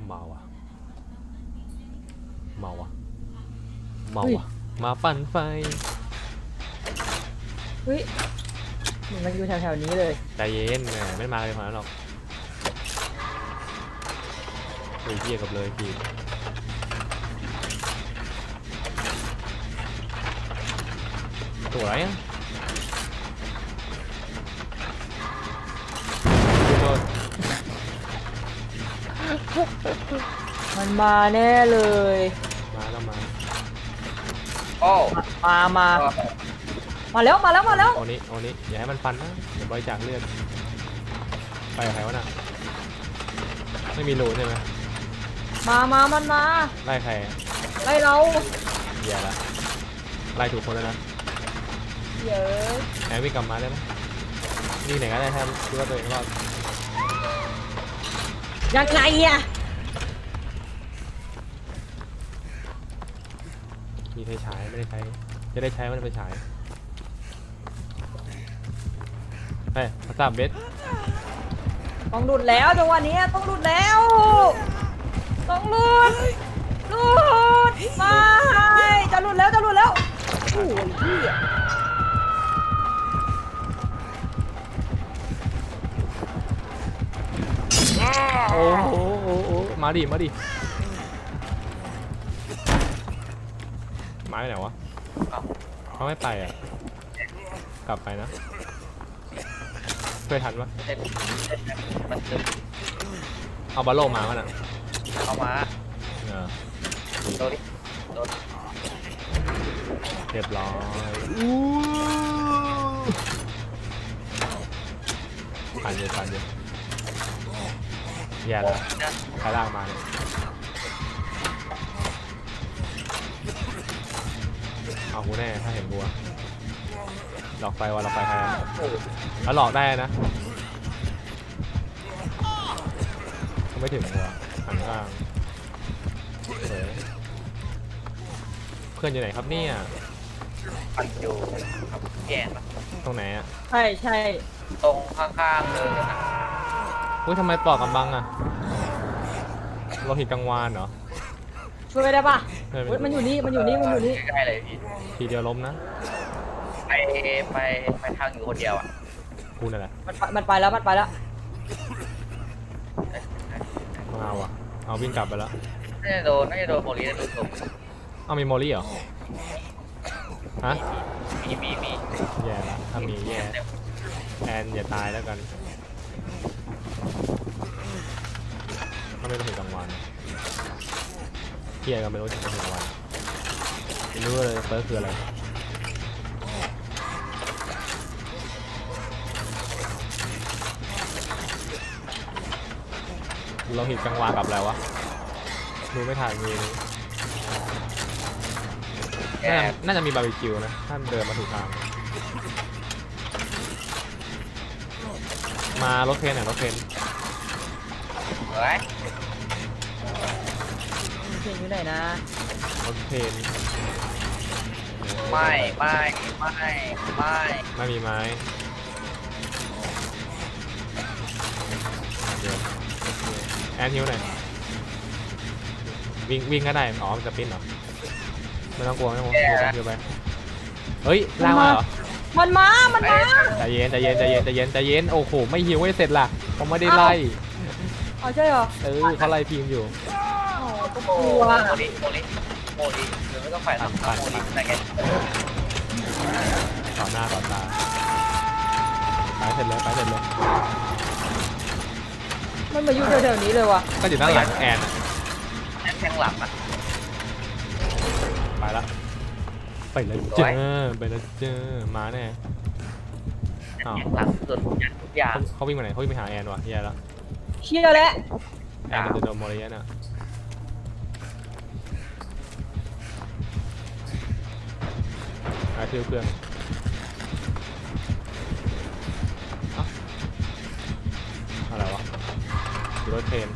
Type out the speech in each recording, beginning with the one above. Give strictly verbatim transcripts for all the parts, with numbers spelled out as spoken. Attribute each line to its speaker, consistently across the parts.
Speaker 1: เมาอ่ะเมาอ่ะเมาอ่ะมาปั่นไฟ
Speaker 2: เฮ้ยมันอยู่แถวๆนี้เลย
Speaker 1: ใจเย็นแหมไม่มาเลยขนาดนั้นหรอกเฮ้ยเยี่ยกับเลยพี่สวยอ่ะ
Speaker 2: มันมาแน่เลย
Speaker 1: มาแล้วมา
Speaker 3: โอ้
Speaker 2: มามามาแล้วมาแล้วมาแล้ว
Speaker 1: โอ้นี้โอ้นี้อย่าให้มันฟันนะเดี๋ยวบริจาคเลือดไปกับใครวะน่ะไม่มีรูใช่ไหม
Speaker 2: มามามันมา
Speaker 1: ไล่ใคร
Speaker 2: ไล่เรา
Speaker 1: แย่ละไล่ถูกคนแล้วนะ
Speaker 2: เยอะ
Speaker 1: แอบวิ่งกลับมาได้ไหมวิ่งไหนก็ได้ถ้าคิดว่าตัวเองรอด
Speaker 2: ยังไงอ่ะ
Speaker 1: มีไฟฉายไม่ได้ใช้จะได้ใช้มันไปฉายเฮ้ยมาสามเบส
Speaker 2: ต้องหลุดแล้วจังหวะนี้ต้องหลุดแล้วต้องหลุดหลุดมาจะหลุดแล้วจะหลุดแล้วโอ้ยพี่
Speaker 1: โอ้โหโอ้โหมาดิมาดิมาไปไหนวะเขาไม่ไปอ่ะกลับไปนะเคยทันปะเอาบอลโลมามันอ่ะ
Speaker 3: เอามา
Speaker 1: เออ
Speaker 3: โดนดิโดน
Speaker 1: เรียบร้อยผ่านเยอะผ่านเยอะแย่แล้วใครลากมาเนี่ยเอากูแน่ถ้าเห็นกูหลอกไฟวะหลอกไฟใครแล้วหลอกได้นะไม่ถึงหัวหันข้างเพื่อนอยู่ไหนครับเนี่ย
Speaker 3: ปั่นอยู่แย่ปะ
Speaker 1: ตรงไหนอ่ะ
Speaker 2: ใช่ใช่
Speaker 3: ตรงข้างๆเลยนะ
Speaker 1: อุ้ยทำไมปลอกกำบังอ่ะเราเห็นกลางวานเหรอ
Speaker 2: ช่วยได้ปะมันอยู่นี่มันอยู่นี่มันอยู่นี่
Speaker 3: ใกล้เลยพี่
Speaker 1: ทีเดียวล้มนะ
Speaker 3: ไปไปไปทางอยู่คนเดียวอ่ะ
Speaker 1: กูนั่นแหละ
Speaker 2: มันมันไปแล้วมันไปแล้ว
Speaker 1: มาว่ะเอาวิ่งกลับไปแล้ว
Speaker 3: น่าจะโดนน่าจะโดนโมลี่โดนตบ
Speaker 1: เอามีโมลี่เหรอฮะ
Speaker 3: มีมีมี
Speaker 1: แย่ละถ้ามีแย่แอนอย่าตายแล้วกันถ้าไม่ต้องถึงกลางวันเที่ยกันไม่รู้ถึงกลางวันไม่รู้เลยเฟิร์สคืออะไรเราเห็นกลางวานกับอะไรวะดูไม่ถ่ายมีน่าน่าจะมีบาร์บีคิวนะถ้าเดินมาถูกทางมารถเทนหน่อยรถเทน
Speaker 3: เฮ้ย
Speaker 2: เทนอยู่ไหนนะ
Speaker 1: รถเทน
Speaker 3: ไม่ไม่ไม่ไม่
Speaker 1: ไม่มีไม้เดี๋ยวแอนฮิวหน่อยวิ่งวิ่งก็ได้อ๋อมันจะปิ้นเหรอไม่ต้องกลัวไม่ต้องกลัวเดี๋ยวไปเฮ้ยล่างมาเหรอ
Speaker 2: มันมามันมา
Speaker 1: ใจเย็นใจเย็นใจเย็นใจเย็นใจเย็นโอ้โหไม่ฮิวไม่เสร็จล่ะเขาไม่ได้ไล่
Speaker 2: อ๋อใช่เหรอ
Speaker 1: เออเขาไล่ทีมอยู่
Speaker 2: โอ้
Speaker 3: โหโมลิโมลิโมลิหรือไม่ต้องฝ่ายหลังโมลิอะไรเงี้ย
Speaker 1: ต่อหน้าต่อตาไปเสร็จเลยไปเสร็จเลย
Speaker 2: มันมาอยู่แถวๆนี้เลยวะ
Speaker 1: ก็อยู่ด้านหลังแอน
Speaker 3: แอนแทงหลังอ่ะ
Speaker 1: ไปละไปเลยเจอไปเลยเจอมาแน่
Speaker 3: อ้าวหลังสุดทุกอย่าง
Speaker 1: เขาวิ่งไปไหนเขาวิ่งไปหาแอนวะแย่แล้ว
Speaker 2: เชี่ยแล้ว
Speaker 1: แอนจะโดนโมเรียน่ะหาเพื่อนเพื่อนอะไรวะรถเทรน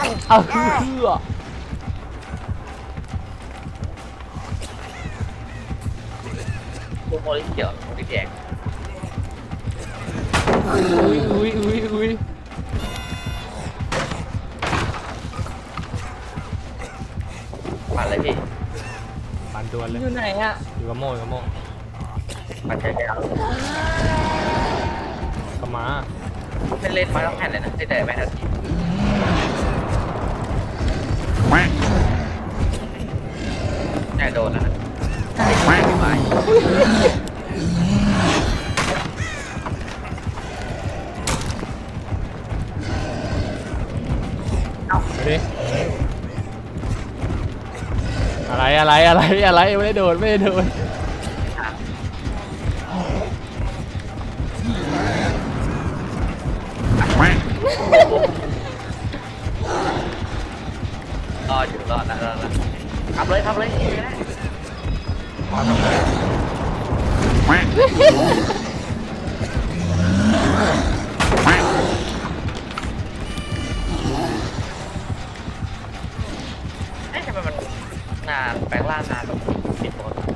Speaker 1: เอาเพื่อ
Speaker 3: พวกโมลิเขียวโมลิแดง
Speaker 1: อุ้ยอุ้ยอุ้ยอุ้ย
Speaker 3: ปั่นเลยพี่
Speaker 1: ปั่นดวนเลย
Speaker 2: อยู่ไหนอ่ะ
Speaker 1: อยู่กับโม่อยู่กับโม่
Speaker 3: ปั่นใช้ยาว
Speaker 1: ก็มา
Speaker 3: เล่นเล่นมาต้องแผ่นเลยนะแต่ไม่ทันทีแน่โดนแล้วนะไม่ไหว
Speaker 1: ไปดิอะไรอะไรอะไรอะไรไม่ได้โดนไม่ได้โดน
Speaker 3: รออยู่รอดแล้วรอดแล้วทำเลยทำเลยนี่นะขอทำเลยเอ๊ะทำไมมันนานแปลงร่างนานแบบติดปกติ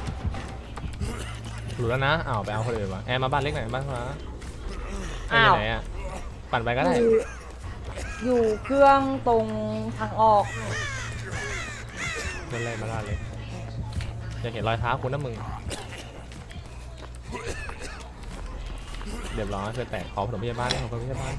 Speaker 1: หลุดแล้วนะอ้าวไปเอาคนอื่นวะแอร์มาบ้านเล็กหน่อยบ้านฟ้าแอ
Speaker 2: อ้า
Speaker 1: ร์อ
Speaker 2: ว
Speaker 1: ยู่ไหนอ่ะปั่นไปก็ได้
Speaker 2: อยู่อยู่เครื่องตรงทางออก
Speaker 1: เล่นเล่นมาบ้านเล็กจะเห็นรอยเท้าคุณนะมึงเรียบร้อยเพื่อนแตกขอผสมพยาบาลขอผสมพยาบาล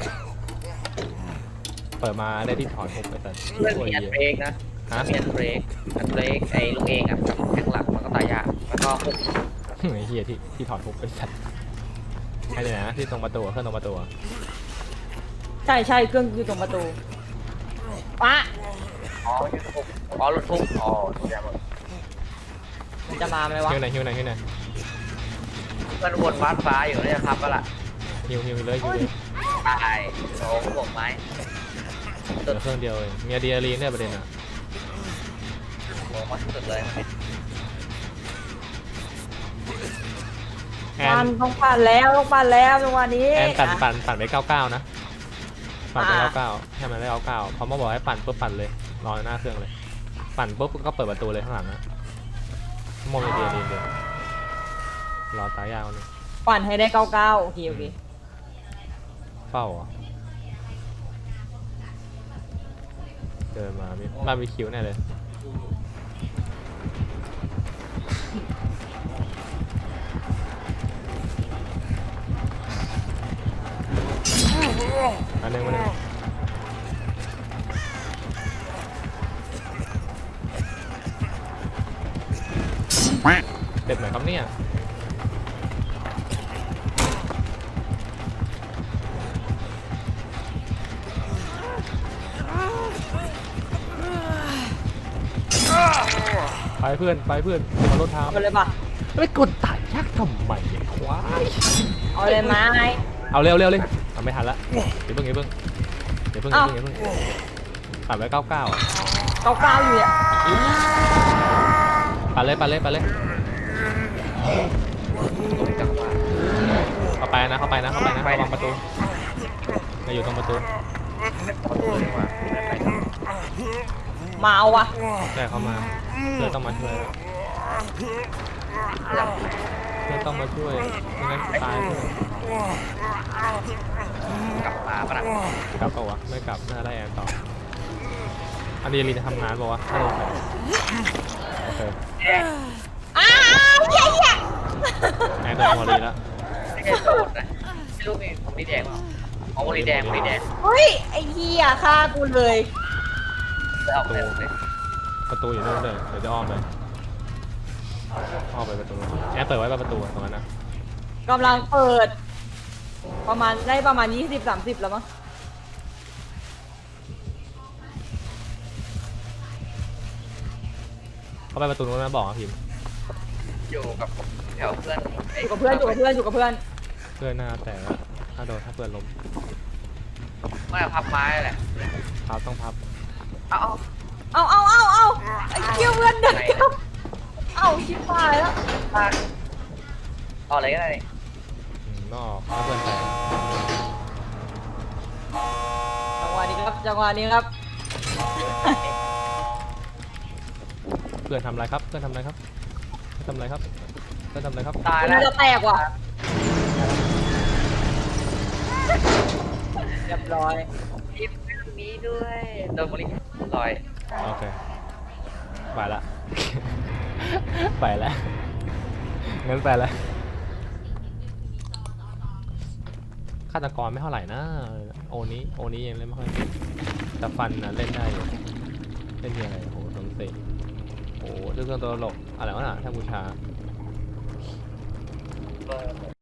Speaker 1: เปิดมาได้ที่ถอนผมไปแต่
Speaker 3: เรื่อง
Speaker 1: ตัว
Speaker 3: มี
Speaker 1: เหี้
Speaker 3: อัน
Speaker 1: ย
Speaker 3: เบรกนะ
Speaker 1: ฮะ
Speaker 3: มีอันเบรกอันเบรกไอ้ลูกเองอ่ะกับแข้งหลักมันก็ตายยากแล้วก็หุบ
Speaker 1: ไอ้เหี้ยที่ที่ถอดทุบไปสัตว์ให้เลยนะที่ตรงประตูเครื่องตรงประตู
Speaker 2: ใช่ใช่เครื่องอยู่ตรงประตูปะ
Speaker 3: อ๋อไม่ใช่หุบอ๋อรถทุบอ๋อทุบยาหมด
Speaker 2: มันจะมาไหมวะ
Speaker 1: ฮิวหน่อยฮิวหน่อยฮิวหน่อย
Speaker 3: มันวนบ้านฟ้าอยู่เนี่ยครับก็ล่ะ
Speaker 1: ฮิวฮิวเลยฮิวเลย
Speaker 3: ตายโอ้โหบวกไม้
Speaker 1: เหลือเครื่องเดียวเองมีอะดรีนาลีนเนี่ยประเด็นอ่ะ
Speaker 3: บวกไม้สุดเลย
Speaker 1: แอ
Speaker 2: ปั่
Speaker 1: น
Speaker 2: นต้องปั่นแล้วต้องปั่นแล้วจังหวะนี้
Speaker 1: แอนปั่น
Speaker 2: อ่ะ
Speaker 1: ปั่นปั่นไปเก้าเก้านะปั่นไป
Speaker 2: อ่า
Speaker 1: เก้าเก้าให้มันได้เก้าเก้าพอมาบอกให้ปั่นปุ๊บปั่นเลยรอหน้าเครื่องเลย ปั่นปุ๊บก็เปิดประตูเลยข้างหลังนะโมมีอะดรีนาลีนเดียวรอตายยาวนี่
Speaker 2: ปั่นให้ได้เก้าเก้าโอเคโอเค
Speaker 1: เฝ้าเหรอเดินมามีบาร์บีคิวแน่เลยอันหนึงมาหนึ่งเด็ดไหนครับเนี่ยไปเพื่อนไปเพื่อนมารถเท้า
Speaker 2: เอาเลยปะ
Speaker 1: ไม่กดตายยากทำไมเนี่ยควาย
Speaker 2: เอาเลยไหม
Speaker 1: เอาเร็วเร็วเลยเอาไม่ทันละเดี๋ยวเพิ่งเดี๋ยวเพิ่งเดี๋ยวเพิ่งเดี๋ยวเพิ่งเดี๋ยวเพิ่งปั่นไว้เก้าเก้า
Speaker 2: เก้าเก้าอยู่เนี่ย
Speaker 1: ปั่นเลยปั่นเลยปั่นเลย
Speaker 3: จังหวะ
Speaker 1: เข้าไปนะเข้าไปนะเข้าไปนะระวังประตูจะอยู่ตรงประตู
Speaker 3: คนตัวนี้ว่า
Speaker 2: มาเอาวะ
Speaker 1: ใช่เข้ามาเพื่อนต้องมาช่วยเพื่อนต้องมาช่วยไม่งั้นตายเพื่อน
Speaker 3: กลับมาปะนะ
Speaker 1: กลับเปล่าวะไม่กลับน่าได้แอนต่ออันนี้ลีจะทำงานเปล่าวะถ้าโดนโอเค
Speaker 2: อ้าวเหี้ยเหี้ย
Speaker 1: แอนโดนพอลีแล้ว
Speaker 3: ไม่ใช่โดนนะไม่รู้มีผมนี่แดงเปล่าอ๋อโมลีแดงโมลีแดง
Speaker 2: เฮ้ยไอ้เหี้ยฆ่ากูเลย
Speaker 3: จะเอาไปเลย
Speaker 1: ประตูอยู่นู่นเลยเดี๋ยวจะอ้อมไปอ้อมไปประตูแอนเปิดไว้ประตูตรงนั้นนะ
Speaker 2: กำลังเปิด ประมาณได้ประมาณยี่สิบสามสิบแล้วมั้ง
Speaker 1: เข้าไปประตูนู้นนะบอกนะพิมพ์
Speaker 3: อยู่กับแถวเพื่อน
Speaker 2: อยู่กับเพื่อนอยู่กับเพื่อนอยู่กับเพื่อน
Speaker 1: เพื่อนหน้าแต่ละถ้าโดนถ้าเพื่อนล้ม
Speaker 3: ไม่พับไม้แหละ
Speaker 1: พับต้องพับ
Speaker 3: เอา
Speaker 2: เอาเอาเอาเอาไอ้เกี้ยวเพื่อนเดินเอาชิบหายแล้ว
Speaker 3: เอาเอาอะไรก็ได้
Speaker 1: อืมนอกถ้าเพื่อนแตก
Speaker 2: จังหวะนี้ก็ครับจังหวะนี้ครับ
Speaker 1: เพื่อนทำอะไรครับเพื่อนทำอะไรครับเพื่อนทำอะไรครับเพื่อนทำอะไรครับ
Speaker 3: ตาย
Speaker 2: คุณ
Speaker 3: แล้ว
Speaker 2: จะแตกว่ะเรียบร้อย
Speaker 3: ทีมนี้ด้วยโดนบริลอย
Speaker 1: โอเคไปละ ไปละงั้นไปละฆาตกรไม่เท่าไหร่นะโอนี้โอนี้ยังเล่นไม่ค่อยเก่งแต่ฟันนะเล่นได้อยู่เล่นยังไงโอ้โหโดนเตะโอ้โหเรื่องตัวตลกอะไรวะน่ะถ้าบูชา